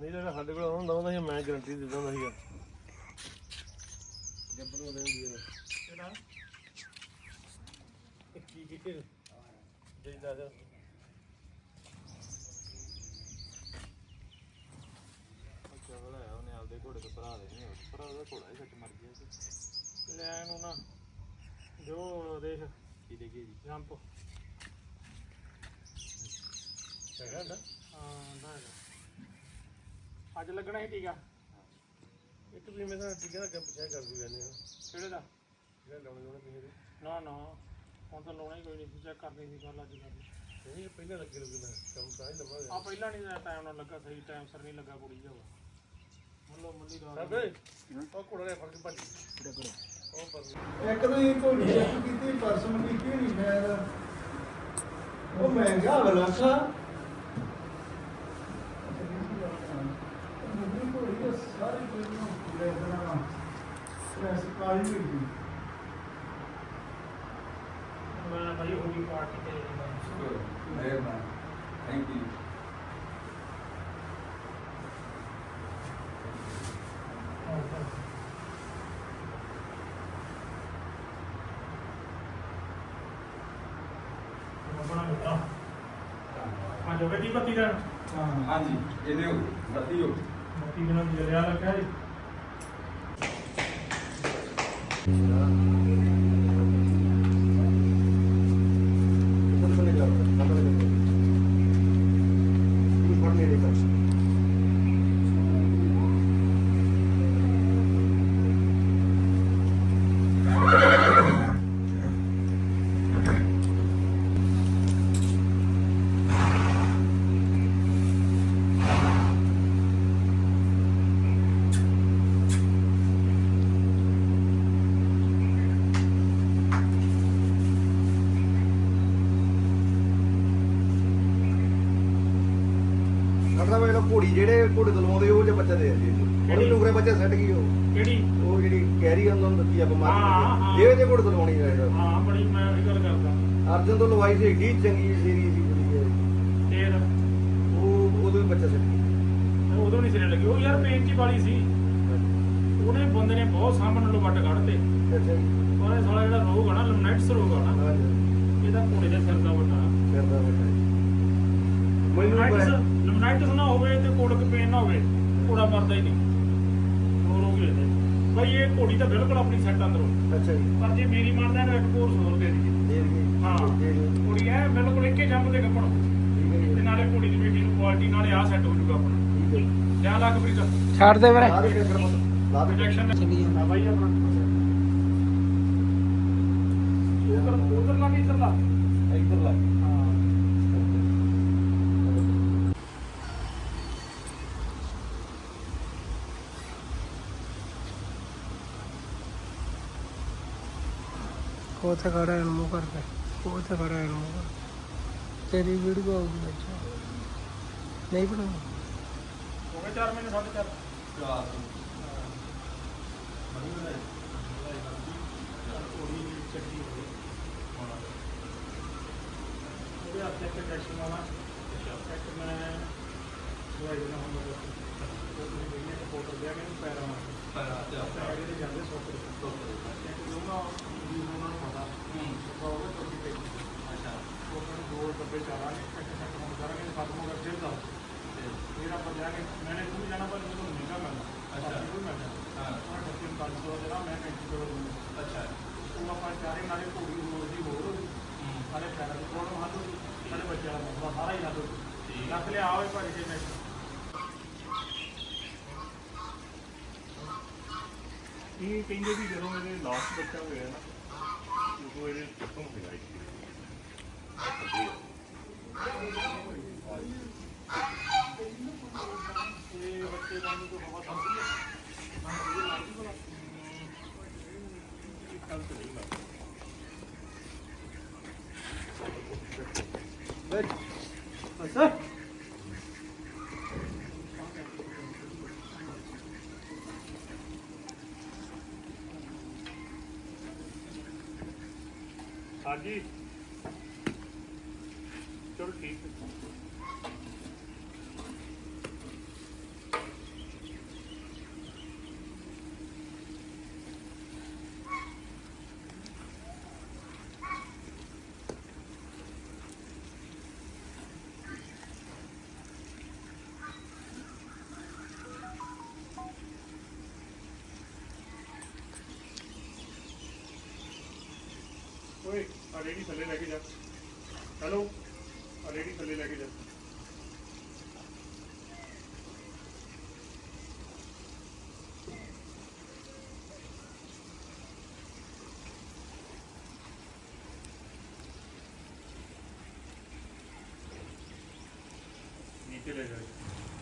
ਨਹੀਂ ਜਿਹੜਾ ਸਾਡੇ ਕੋਲ ਹੁੰਦਾ ਹੁੰਦਾ ਸੀ ਮੈਂ ਗਰੰਟੀ ਦੇ ਦਿੰਦਾ ਸੀਗਾ ਜੱਬਰ ਨੂੰ ਦੇਂਦੀ ਹੈ ਕਿਹੜਾ ਕੀ ਦੇ ਦਾਦਾ ਅੱਛਾ ਬਣਾਇਆ ਉਹਨੇ ਆਪਦੇ ਘੋੜੇ ਤੋਂ ਭਰਾ ਦੇ ਨਹੀਂ ਭਰਾ ਦਾ ਘੋੜਾ ਹੀ ਸੱਚ ਮਰ ਗਿਆ ਸੀ ਲੈ ਇਹਨੂੰ ਨਾ ਜੋ ਦੇਖ ਕੀ ਦੇ ਗਈ ਜੀ ਜੰਪ ਹੈਗਾ ਨਾ ਹਾਂ ਨਾ ਅੱਜ ਲੱਗਣਾ ਹੀ ਟੀਕਾ ਇੱਕ ਵੀ ਮੈਂ ਤਾਂ ਟੀਕਾ ਲੱਗਾ ਪਿੱਛੇ ਕਰ ਦੂ ਜਾਂਦੇ ਹਾਂ ਕਿਹੜੇ ਦਾ ਜਿਹੜਾ ਲਾਉਣੇ ਕਿਸੇ ਦੇ ਨਾ ਨਾ ਹੁਣ ਤਾਂ ਲਾਉਣਾ ਹੀ ਕੋਈ ਨਹੀਂ ਸੀ ਚੈੱਕ ਕਰਨੀ ਸੀ ਗੱਲ ਅੱਜ ਨਹੀਂ ਪਹਿਲਾਂ ਲੱਗੇ ਲੱਗਦਾ ਕੰਮ ਤਾਂ ਹੀ ਲੰਮਾ ਆ ਪਹਿਲਾਂ ਨਹੀਂ ਟਾਈਮ ਨਾਲ ਲੱਗਾ ਸਹੀ ਟਾਈਮ ਸਿਰ ਨਹੀਂ ਲੱਗਾ ਕੁੜੀ ਜਾਵਾ ਮੁੱਲੋ ਮੁੱਲੀ ਦਾ ਉਹ ਘੋੜਾ ਨੇ ਫੜ ਕੇ ਭੱਜ ਉਹ ਪਰ ਇੱਕ ਤਾਂ ਘੋੜੀ ਚੈੱਕ ਕੀਤੀ ਪਰਸੋਂ ਕੀਤੀ ਨਹੀਂ ਸ਼ਾਇਦ ਉਹ ਮਹਿੰਗਾ ਬਲਾਸਾ ਸਾਰੀ ਕੋਈ ਨੂੰ ਲੈ ਦੇਣਾ ਸਟ੍ਰੈਸ ਕਾਲੀ ਹੋਈ ਮੈਂ ਭਾਈ ਹੋਲੀ ਪਾਰਟੀ ਤੇ ਮਿਹਰਬਾਨੀ ਥੈਂਕ ਯੂ ਆਪਣਾ ਮਿੱਤਰਾ ਹਾਂ ਜੋ ਗੱਡੀ ਬੱਤੀ ਦਾ ਹਾਂ ਜੀ ਇਹਦੇ ਬੱਤੀ ਹੋ ਬੱਤੀ ਬਿਨਾਂ ਜਰਿਆ ਲੱਗਾ ਜੀ ਘੋੜੀ ਜਿਹੜੇ ਘੋੜੇ ਤੋਂ ਲਵਾਉਂਦੇ ਉਹ ਜੇ ਬੱਚਾ ਦੇ ਦਿੰਦੇ ਕਿਹੜੀ ਟੁਕਰੇ ਬੱਚੇ ਸੱਟ ਗਈ ਉਹ ਕਿਹੜੀ ਉਹ ਜਿਹੜੀ ਕੈਰੀ ਉਹਨਾਂ ਨੂੰ ਦਿੱਤੀ ਆਪਾਂ ਹਾਂ, ਮਾਰ ਇਹ ਜੇ ਘੋੜੇ ਤੋਂ ਲਵਾਉਣੀ ਚਾਹੀਦਾ ਹਾਂ ਬੜੀ ਮੈਂ ਉਹੀ ਗੱਲ ਕਰਦਾ ਅਰਜਨ ਤੋਂ ਲਵਾਈ ਸੀ ਏਡੀ ਚੰਗੀ ਸੀਰੀ ਸੀ ਕੁੜੀ ਫੇਰ ਉਹ ਉਦੋਂ ਵੀ ਬੱਚਾ ਸੱਟ ਗਿਆ ਉਦੋਂ ਨਹੀਂ ਸਿਰੇ ਲੱਗੀ ਉਹ ਯਾਰ ਪੇਂਚੀ ਵਾਲੀ ਸੀ ਉਹਨੇ ਬੰਦੇ ਨੇ ਬਹੁਤ ਸਾਹਮਣੇ ਨੂੰ ਵੱਟ ਕੱਢਤੇ ਅੱਛਾ ਜੀ ਉਹਨੇ ਸਾਲਾ ਜਿਹੜਾ ਰੋਗ ਆ ਨਾ ਲਮਨਾਈਟਸ ਰੋਗ ਆ ਨਾ ਹਾਂਜੀ ਇਹਦਾ ਘੋੜੇ ਦੇ ਸਿਰ ਦਾ ਵੱਟਾ ਕਰਦਾ ਬੱਚਾ ਮੈਨੂੰ ਲਮਨਾਈਟਸ ਨਾ ਹੋਵੇ ਤੇ ਕੋੜਕ ਪੇਨ ਨਾ ਹੋਵੇ ਘੋੜਾ ਮਰਦਾ ਹੀ ਨਹੀਂ ਉਹ ਰੋਗ ਇਹਦੇ ਬਈ ਇਹ ਘੋੜੀ ਤਾਂ ਬਿਲਕੁਲ ਆਪਣੀ ਸੈੱਟ ਅੰਦਰੋਂ ਅੱਛਾ ਜੀ ਪਰ ਜੇ ਮੇਰੀ ਮੰਨਦਾ ਇਹਨੂੰ ਇੱਕ ਕੋਰਸ ਹੋਰ ਦੇ ਦਈਏ ਦੇ ਗਈ ਹਾਂ ਘੋੜੀ ਐ ਬਿਲਕੁਲ ਇੱਕੇ ਜੰਮ ਦੇ ਕੱਪੜ ਠੀਕ ਹੈ ਤੇ ਨਾਲੇ ਘੋੜੀ ਦੀ ਬੇਟੀ ਨੂੰ ਕੁਆਲਿਟੀ ਨਾਲੇ ਆ ਸੈੱਟ ਹੋ ਜੂਗਾ ਆਪਣਾ ਠੀਕ ਹੈ ਲਿਆ ਲੱਗ ਪ੍ਰੀਤ ਛੱਡ ਦੇ ਵੀਰੇ ਲਾ ਦੇ ਟੱਕਰ ਮਤ ਲਾ ਦੇ ਇੰਜੈਕਸ਼ਨ ਚੱਲੀ ਜਾਂਦਾ। ਆ ਬਾਈ ਆਪਣਾ ਉਧਰ ਲਾ ਕੇ ਇੱਧਰ ਲਾ ਇੱਧਰ ਲਾ ਹਾਂ ਉੱਥੇ ਖੜਾ ਹੈ ਮੂੰਹ ਕਰਕੇ ਉੱਥੇ ਖੜਾ ਹੈ ਮੂੰਹ ਕਰਕੇ ਤੇਰੀ ਵੀਡੀਓ ਆਉਗੀ ਵਿੱਚ ਨਹੀਂ ਬਣਾਉਣੀ ਹੋ ਗਏ 4 ਮਹੀਨੇ 4.5 ਉਹਦੇ ਹੱਥੇ ਇੱਕ ਟੈਕਸ਼ਨ ਆਉਣਾ ਇੱਕ ਮੈਂ ਦਵਾਈ ਦੇਣਾ ਹੁੰਦਾ ਉਹ ਤੁਸੀਂ ਦੇਖੀਏ ਤਾਂ ਫੋਟੋ ਦਿਆ ਮੈਨੂੰ ਪੈਰਾਂ ਨਾਲ ਪੈਰ ਇਹਦੇ ਜਾਂਦੇ ਸੁੱਕ ਇੱਕ ਦੋਨਾਂ ਵੀ ਉਹਨਾਂ ਨੂੰ ਪਤਾ ਉਹ ਚੋਟੀ ਪਈ ਅੱਛਾ ਉਹ ਕਹਿੰਦੇ 2 ਡੱਬੇ ਚਾਰਾਂਗੇ ਇੱਕ ਸੈੱਟ ਹੁਣ ਕਰਾਂਗੇ ਖਤਮ ਹੋ ਗਿਆ ਫਿਰ ਦੱਸ ਫਿਰ ਆਪਾਂ ਜਾਗੇ ਮੈਨੇ ਤੂੰ ਜਾਣਾ ਪਰ ਮੈਨੂੰ ਮਹਿੰਗਾ ਮਿਲਣਾ ਅੱਛਾ ਕੋਈ ਮਿਲਣਾ ਹਾਂ ਉਹ ਡੱਬੇ 500 ਜਿਹੜਾ ਮੈਂ 35 ਦੂੰਗਾ ਅੱਛਾ ਉਹ ਆਪਾਂ ਚਾਰੇ ਨਾਲੇ ਘੋੜੀ ਹੋਰ ਦੀ ਹੋਰ ਸਾਰੇ ਪੈਰਾਂ ਦੀ ਪ੍ਰੋਬਲਮ ਹੱਲ ਹੋ ਗਈ ਸਾਰੇ ਬੱਚਿਆਂ ਦਾ ਮਸਲਾ ਸਾਰਾ ਹੀ ਹੱਲ ਹੋ ਗਿਆ ਰੱਖ ਲਿਆ ਆਵੇ ਭਾਜੀ ਜੇ ਨੈਕਸਟ ਇਹ ਕਹਿੰਦੇ ਵੀ ਜਦੋਂ ਇਹਦੇ ਲਾਸਟ ਬੱਚਾ ਹੋਇਆ ਨਾ ਉਦੋਂ ਇਹਦੇ ਖਤਮ ਹੋ ਗਿਆ ਇਹ ਬੱਚੇ ਨੂੰ ਤੋਂ ਹਵਾ ਸਮਝੀ ਮੈਂ ਇਹ ਲੱਗੀ ਬਣਾ ਇਹ ਕੱਲ ਤੇ ਨਹੀਂ ਲੱਗਾ ਅੱਛਾ हाँ जी चलो ठीक है ਰੇੜੀ ਥੱਲੇ ਲੈ ਕੇ ਜਾ। ਹੈਲੋ ਰੇੜੀ ਥੱਲੇ ਲੈ ਕੇ ਜਾ। नीचे ले जाए।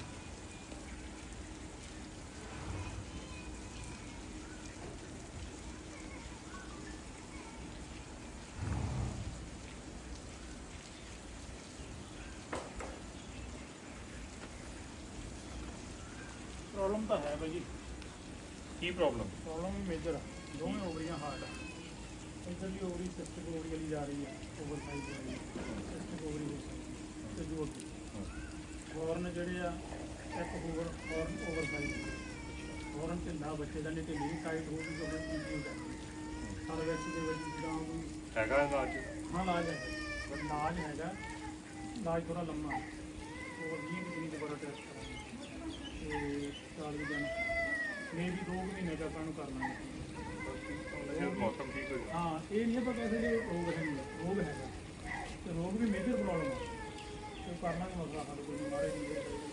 प्रॉब्लम तो है भाई जी। की प्रॉब्लम? प्रॉब्लम भी मेजर है। दोनों ओवरियां हार्ड है। इधर भी ओवरी सिस्टिक ओवरी वाली जा रही है, ओवर साइज वाली सिस्टिक ओवरी से जोड़ के हॉर्न ਜਿਹੜੇ ਆ ਇੱਕ ਹੋਵਰ ਹੌਰਨ ਓਵਰ ਸਾਈਜ਼ ਹੌਰਨ ਢਿੱਲਾ ਬੱਚੇ ਦਾ ਨਹੀਂ ਢਿੱਲੀ ਟਾਈਟ ਹੋ ਗਈ ਜੋ ਇੰਪਲੀਮੈਂਟ ਹੈ ਸਾਰੇ ਵਿੱਚ ਦੇ ਵਿੱਚ ਜਿੱਦਾਂ ਹੈਗਾ ਇਲਾਜ। ਹਾਂ ਇਲਾਜ ਹੈ, ਪਰ ਇਲਾਜ ਹੈਗਾ, ਇਲਾਜ ਥੋੜਾ ਲੰਮਾ ਉਹ 20 ਦਿਨ ਦੁਬਾਰਾ ਟੈਸਟ ਕਰਾਂਗੇ ਤੇ 40 ਦਿਨ ਮੇ ਵੀ 2 ਮਹੀਨੇ ਦਾ ਆਪਾਂ ਨੂੰ ਕਰ ਲਾਂਗੇ। ਮੌਸਮ ਠੀਕ ਹੋ ਗਿਆ। ਹਾਂ ਇਹ ਨਹੀਂ ਆਪਾਂ ਕਿਸੇ ਦੇ ਰੋਗ ਹੈ, ਰੋਗ ਹੈਗਾ ਤੇ ਰੋਗ ਵੀ ਮੇਜਰ ਪ੍ਰੋਬਲਮ ਹੈ ਤੇ ਕਰਨਾ ਨਹੀਂ ਮਸਲਾ ਸਾਡੇ ਕੋਲ ਮਾਰੇ ਨਹੀਂ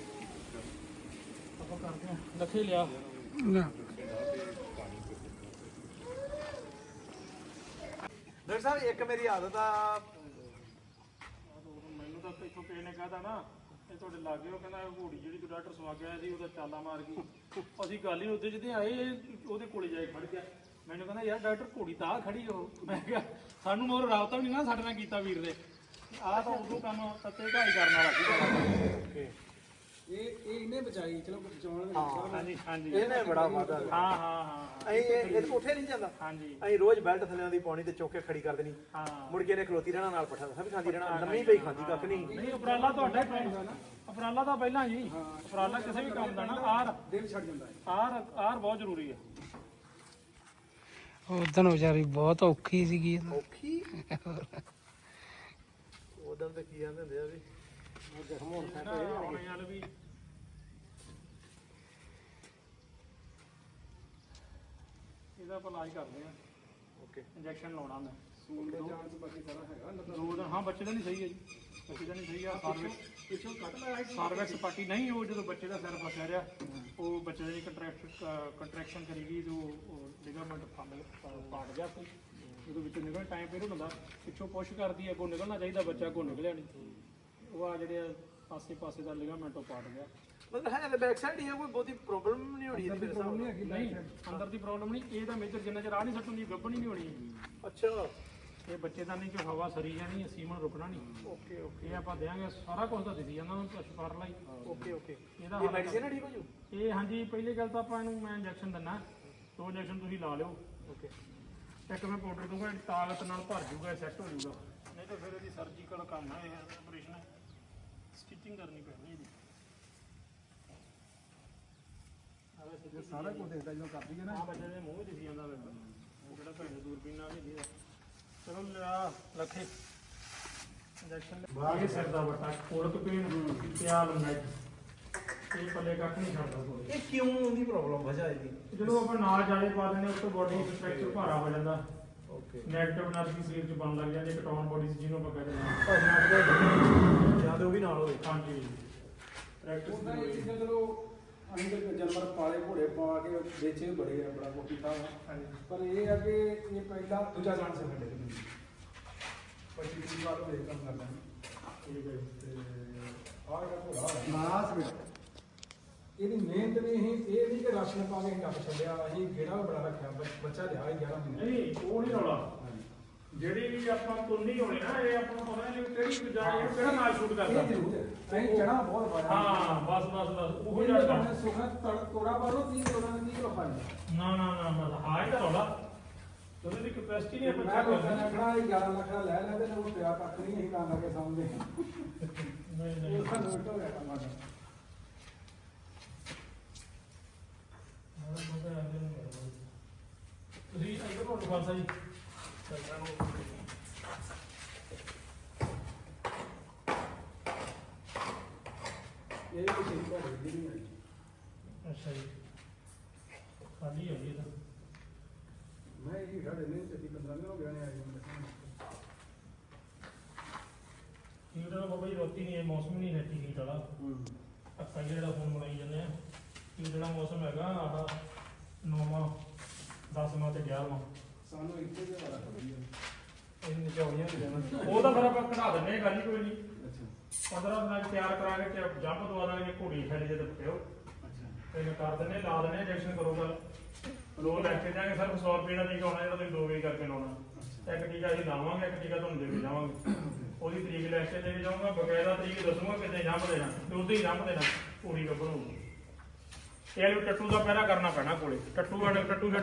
ਆਪਾਂ ਕਰਦੇ ਹਾਂ। ਲੱਖੇ ਲਿਆ ਡਾਕਟਰ ਸਾਹਿਬ ਇੱਕ ਮੇਰੀ ਆਦਤ ਆ, ਮੈਨੂੰ ਤਾਂ ਇੱਥੋਂ ਕਿਸੇ ਨੇ ਕਹਤਾ ਨਾ ਇਹ ਤੁਹਾਡੇ ਲਾਗੇ ਉਹ ਕਹਿੰਦਾ ਘੋੜੀ ਜਿਹੜੀ ਤੂੰ ਡਾਕਟਰ ਸਵਾ ਕੇ ਆਇਆ ਸੀ ਉਹਦਾ ਚਾਲਾ ਮਾਰ ਗਈ। ਅਸੀਂ ਗੱਲ ਹੀ ਉੱਥੇ ਜਿੱਦੇ ਆਏ ਉਹਦੇ ਕੋਲੇ ਜਾ ਕੇ ਖੜ ਗਿਆ। ਮੈਨੂੰ ਕਹਿੰਦਾ ਯਾਰ ਡਾਕਟਰ ਘੋੜੀ ਤਾਂ ਆ ਖੜੀ ਉਹ। ਮੈਂ ਕਿਹਾ ਸਾਨੂੰ ਹੋਰ ਰਾਬਤਾ ਵੀ ਨਹੀਂ ਨਾ ਸਾਡੇ ਨਾਲ ਕੀਤਾ ਵੀਰ ਦੇ। ਆਹ ਤਾਂ ਉਦੋਂ ਕੰਮ ਤੱਤੇ ਢਾਈ ਕਰਨ ਵਾਲਾ ਸੀ। ਇਹ ਇਹਨੇ ਬਚਾਈ, ਚਲੋ ਬਚਾਉਣ ਹਾਂਜੀ ਹਾਂਜੀ ਇਹਨੇ ਬੜਾ ਵਾਧਾ ਹਾਂ ਹਾਂ ਹਾਂ ਅਸੀਂ ਇਹ ਉੱਠੇ ਨਹੀਂ ਜਾਂਦਾ। ਹਾਂਜੀ ਅਸੀਂ ਰੋਜ਼ ਬੈਲਟ ਥੱਲੇ ਦੀ ਪਾਉਣੀ ਤੇ ਚੁੱਕ ਕੇ ਖੜੀ ਕਰ ਦੇਣੀ। ਹਾਂ ਮੁੜ ਕੇ ਇਹਨੇ ਖਲੋਤੀ ਰਹਿਣਾ, ਨਾਲ ਪੱਠਾ ਦੱਸਾ ਵੀ ਖਾਂਦੀ ਰਹਿਣਾ, ਲੰਮੀ ਪਈ ਖਾਂਦੀ ਕੱਖ ਨਹੀਂ। ਨਹੀਂ ਉਪਰਾਲਾ ਤੁਹਾਡਾ ਹੀ ਪੈਂਦਾ ਨਾ, ਉਪਰਾਲਾ ਤਾਂ ਪਹਿਲਾਂ ਜੀ। ਉਪਰਾਲਾ ਕਿਸੇ ਵੀ ਕੰਮ ਦਾ ਨਾ ਆਰ ਦਿਲ ਛੱਡ ਜਾਂਦਾ ਹੈ। ਆਰ ਬਹੁਤ ਜ਼ਰੂਰੀ ਹੈ। ਉਦੋਂ ਵਿਚਾਰੀ ਬਹੁਤ ਔਖੀ ਸੀਗੀ। ਔਖੀ ਉਦੋਂ ਤੇ ਕੀ ਆਂਦੇ ਹੁੰਦੇ ਆ ਵੀ ਜ਼ਖਮ ਹੋਣ ਹੁਣ ਯਾਰ ਵੀ ਇਹਦਾ ਆਪਾਂ ਇਲਾਜ ਕਰਦੇ ਆ। ਓਕੇ ਇੰਜੈਕਸ਼ਨ ਲਾਉਣਾ ਮੈਂ ਸੂਲ ਦੇ ਚਾਂਸ ਬਾਕੀ ਸਾਰਾ ਹੈਗਾ। 2 ਦਿਨ। ਹਾਂ ਬੱਚੇ ਦਾ ਨਹੀਂ ਸਹੀ ਹੈ ਜੀ, ਬੱਚੇ ਦਾ ਨਹੀਂ ਸਹੀ ਆ। ਪਿੱਛੋਂ ਕੱਟ ਲਾਇਆ ਸਾਰਵੈਕਸ ਪਾਰਟੀ ਨਹੀਂ, ਉਹ ਜਦੋਂ ਬੱਚੇ ਦਾ ਸਿਰ ਫਸਿਆ ਰਿਹਾ ਉਹ ਬੱਚੇ ਦੀ ਕੰਟਰੈਕਸ਼ਨ ਕਰੀ ਗਈ ਜੋ ਲਿਗਾਮੈਂਟ ਪਾਟ ਗਿਆ ਸੀ। ਜਦੋਂ ਵਿੱਚੋਂ ਨਿਕਲ ਟਾਈਮ ਪੀਰੀਅਡ ਹੁੰਦਾ, ਪਿੱਛੋਂ ਪੁਸ਼ ਕਰਦੀ ਅੱਗੋਂ ਨਿਕਲਣਾ ਚਾਹੀਦਾ, ਬੱਚਾ ਅੱਗੋਂ ਨਿਕਲਿਆ ਨਹੀਂ। ਉਹ ਆ ਜਿਹੜੇ ਪਾਸੇ ਦਾ ਲਿਗਾਮੈਂਟ ਉਹ ਪਾਟ ਗਿਆ। ਮਤਲਬ ਹੈ ਨਾ ਬੈਕ ਸਾਈਡ ਹੀ ਆ, ਕੋਈ ਬਹੁਤੀ ਪ੍ਰੋਬਲਮ ਨਹੀਂ ਹੋਣੀ ਇਹਦੀ ਮੇਰੇ ਹਿਸਾਬ ਨਾਲ। ਨਹੀਂ ਅੰਦਰ ਦੀ ਪ੍ਰੋਬਲਮ ਨਹੀਂ, ਇਹ ਤਾਂ ਮੇਜਰ ਜਿੰਨਾ ਚਿਰ ਆ ਨਹੀਂ ਸੱਟੂਗੀ ਗੱਭਣ ਹੀ ਨਹੀਂ ਹੋਣੀ। ਅੱਛਾ ਇਹ ਬੱਚੇਦਾਨੀ ਚ ਹਵਾ ਸਰੀ ਜਾਣੀ, ਸੀਮਨ ਰੁਕਣਾ ਨਹੀਂ। ਓਕੇ ਓਕੇ ਇਹ ਆਪਾਂ ਦੇਾਂਗੇ, ਸਾਰਾ ਕੁਝ ਤਾਂ ਦਿੱਤੀ ਜਾਂਦਾ ਉਹਨੂੰ ਪਸ਼ੂ ਲਈ। ਓਕੇ ਓਕੇ ਇਹਦਾ ਇਹ ਮੈਡੀਸਿਨ ਠੀਕ ਹੋ ਜੂ? ਇਹ ਹਾਂਜੀ ਪਹਿਲੀ ਗੱਲ ਤਾਂ ਆਪਾਂ ਇਹਨੂੰ ਮੈਂ ਇੰਜੈਕਸ਼ਨ ਦਿੰਦਾ, 2 ਇੰਜੈਕਸ਼ਨ ਤੁਸੀਂ ਲਾ ਲਿਓ। ਓਕੇ ਇੱਕ ਮੈਂ ਪਾਊਡਰ ਦੂੰਗਾ, ਤਾਕਤ ਨਾਲ ਭਰ ਜੂਗਾ, ਸੈੱਟ ਹੋ ਜੂਗਾ। ਨਹੀਂ ਤਾਂ ਫਿਰ ਇਹਦੀ ਸਰਜੀਕਲ ਕੰਮ ਹੈ, ਇਹ ਆਪਰੇਸ਼ਨ ਹੈ, ਸਟਿਚਿੰਗ ਕਰਨੀ ਪੈਣੀ ਇਹਦੀ। ਸਾਰਾ ਕੁਝ ਦੇਖਦਾ ਜਦੋਂ ਕਰਦੀ ਹੈ ਨਾ। ਆ ਬੱਚੇ ਦੇ ਮੂੰਹ ਦਿਖੀ ਜਾਂਦਾ ਵੇ, ਉਹ ਜਿਹੜਾ ਭੈਣ ਦੂਰਬੀਨ ਨਾਲ ਨਹੀਂ ਦਿਖਦਾ। ਚਲੋ ਲਿਆ ਲੱਖੇ ਇੰਜੈਕਸ਼ਨ ਬਾਗੇ ਸਿਰ ਦਾ ਵੱਟਾ, ਕੋਲਕ ਪੀਣ ਪਿਆਲ ਮੈਟ, ਇਹ ਪੱਲੇ ਕੱਖ ਨਹੀਂ ਛੱਡਦਾ ਕੋਈ। ਇਹ ਕਿਉਂ ਉਹਦੀ ਪ੍ਰੋਬਲਮ ਵਜ੍ਹਾ ਇਹਦੀ? ਜਦੋਂ ਆਪਾਂ ਨਾਲ ਜਾਲੇ ਪਾ ਦਿੰਦੇ ਉਸ ਤੋਂ ਬੋਡੀ ਸਟਰਕਚਰ ਭਾਰਾ ਹੋ ਜਾਂਦਾ, ਓਕੇ ਨੈਗੇਟਿਵ એનર્ਜੀ ਸਰੀਰ 'ਚ ਬਣ ਲੱਗ ਜਾਂਦੀ, ਕਟਾਉਣ ਬੋਡੀ ਜਿਹਨੂੰ ਆਪਾਂ ਕਹਿੰਦੇ ਹਾਂ। ਜਾਂ ਤੇ ਉਹ ਵੀ ਨਾਲ ਹੋਵੇ। ਹਾਂਜੀ ਪ੍ਰੈਕਟਿਸ ਉਹਦਾ ਇਹ ਚੀਜ਼ਾਂ ਚਲੋ ਅਸੀਂ ਤਾਂ ਜਾਨਵਰ ਪਾਲੇ ਘੋੜੇ ਪਾ ਕੇ ਵੇਚੇ ਬੜੇ ਆ, ਬੜਾ ਕੁਛ ਕੀਤਾ ਵਾ। ਪਰ ਇਹ ਆ ਕਿ ਇਹ ਪਹਿਲਾ ਦੂਜਾ ਚਾਂਸ ਹੈ ਸਾਡੇ ਕੋਲ। 25-30 ਸਾਲ ਹੋ ਗਏ ਕੰਮ ਕਰਦਾ। ਠੀਕ ਹੈ ਤੇ ਆਹ ਜਿਹੜਾ ਘੋੜਾ ਨਾਸ ਵਿੱਚ ਇਹਦੀ ਮਿਹਨਤ ਨਹੀਂ ਸੀ, ਇਹ ਨਹੀਂ ਕਿ ਰਾਸ਼ਨ ਪਾ ਕੇ ਕੱਪ ਛੱਡਿਆ, ਅਸੀਂ ਗੇੜਾ ਵੀ ਬੜਾ ਰੱਖਿਆ, ਬੱਚਾ ਲਿਆ 11 ਮਹੀਨੇ। ਨਹੀਂ ਉਹ ਨਹੀਂ ਰੌਲਾ, ਜਿਹੜੀ ਵੀ ਆਪਾਂ ਤੁੰਨੀ ਹੋਣੀ ਨਾ, ਇਹ ਆਪਾਂ ਨੂੰ ਪਤਾ ਨਹੀਂ ਕਿਹੜੀ ਜਾ ਇਹ ਕਿਹੜਾ ਨਾਲ ਸ਼ੂਟ ਕਰਦਾ। ਇਹ ਜ਼ਰੂਰ ਹੈ, ਅਸੀਂ ਚਣਾ ਬਹੁਤ ਪਾਇਆ। ਹਾਂ ਬਸ ਉਹ ਉਹ ਜੜਦਾ। ਜਿਹੜਾ ਸੁਖਾ ਤੋੜਾ ਪਾਰੋ 30 ਤੋੜਾ ਦੀ 30 ਪਾਣੀ। ਨਾ ਹਾਂ ਇਹ ਤਾਂ ਰੌਲਾ, ਉਹਦੀ ਦੀ ਕੈਪੈਸਿਟੀ ਨਹੀਂ ਆਪਾਂ ਮੈਂ ਚੈੱਕ ਲੋਕਾਂ ਨੇ ਕਰਦੇ। ਆਖਣਾ ਇਹ 11 ਲੱਖ ਦਾ ਲੈ ਲੈ ਤੇ ਉਹ ਪਿਆ ਕੱਖ ਨਹੀਂ, ਅਸੀਂ ਤਾਂ ਲੱਗੇ ਸਮਝਦੇ। ਨਹੀਂ ਇਹ ਸਾਨੂੰ ਉਲਟਾ ਹੋ ਗਿਆ ਕੰਮ ਸਾਡਾ। ਤੁਸੀਂ ਇੱਧਰ ਨੂੰ ਫਾਸਾ ਜੀ ਇਹ ਵੀ ਸਹੀ ਘੜੇ ਦੀ ਨਹੀਂ ਆਈ। ਅੱਛਾ ਜੀ, ਖਾਲੀ ਹੈ ਜੀ ਇਹ ਤਾਂ। ਮੈਂ ਇਹ ਘੜੇ ਨਹੀਂ ਤੇ 15 ਦਿਨ ਹੋ ਗਏ ਨੇ ਆਈ ਨੂੰ। ਬਈ ਰੋਟੀ ਨਹੀਂ, ਇਹ ਮੌਸਮ ਨਹੀਂ ਨੈਟੀ ਹੀਟ ਵਾਲਾ। ਆਪਾਂ ਜਿਹੜਾ ਹੁਣ ਬਣਾਈ ਜਾਂਦੇ ਆ ਕਿ ਜਿਹੜਾ ਮੌਸਮ ਹੈਗਾ ਆਹ 9ਵਾਂ 10ਵਾਂ ਤੇ 11ਵਾਂ ਸਾਨੂੰ ਇੱਥੇ ਦੇ ਬੜਾ ਵਧੀਆ ਇਹ ਨਿਚਾਉਣੀਆਂ ਹੁੰਦੀਆਂ ਨੇ। ਉਹ ਤਾਂ ਫਿਰ ਆਪਾਂ ਕਢਾ ਦਿੰਦੇ ਹਾਂ, ਗੱਲ ਹੀ ਕੋਈ ਨਹੀਂ। ਅੱਛਾ 15 ਦਿਨਾਂ 'ਚ ਤਿਆਰ ਕਰਾ ਕੇ ਜੰਪ ਦਵਾ ਦਾਂਗੇ, ਘੋੜੀ ਖੈਲੀ ਦੇ ਪਿਓ ਅੱਛਾ ਤੇ ਕਰ ਦਿੰਦੇ, ਲਾ ਦਿੰਦੇ, ਇੰਜੈਕਸ਼ਨ ਕਰੋਗਾ। ਲੋਕ ਲੈ ਕੇ ਜਾਣਗੇ ਸਿਰਫ 100 ਰੁਪਏ ਦਾ ਟੀਕਾ ਹੋਣਾ, ਜਿਹੜਾ ਤੁਸੀਂ 2 ਵੇ ਕਰਕੇ ਲਾਉਣਾ। ਇੱਕ ਟੀਕਾ ਅਸੀਂ ਲਾਵਾਂਗੇ, ਇੱਕ ਟੀਕਾ ਤੁਹਾਨੂੰ ਦੇ ਕੇ ਜਾਵਾਂਗੇ। ਉਹਦੀ ਤਰੀਕ ਲੈ ਕੇ ਦੇ ਕੇ ਜਾਊਂਗਾ, ਬਕਾਇਦਾ ਤਰੀਕ ਦੱਸੂਗਾ ਕਿਤੇ ਜੰਪ ਦੇਣਾ ਤੇ ਉਦੋਂ ਹੀ ਜੰਪ ਦੇਣਾ, ਘੋੜੀ ਗੱਭਰੂ। ਇਹ ਟੱਟੂ ਦਾ ਪਹਿਰਾ ਕਰਨਾ ਪੈਣਾ ਕੋਲੇ। ਟੱਟੂ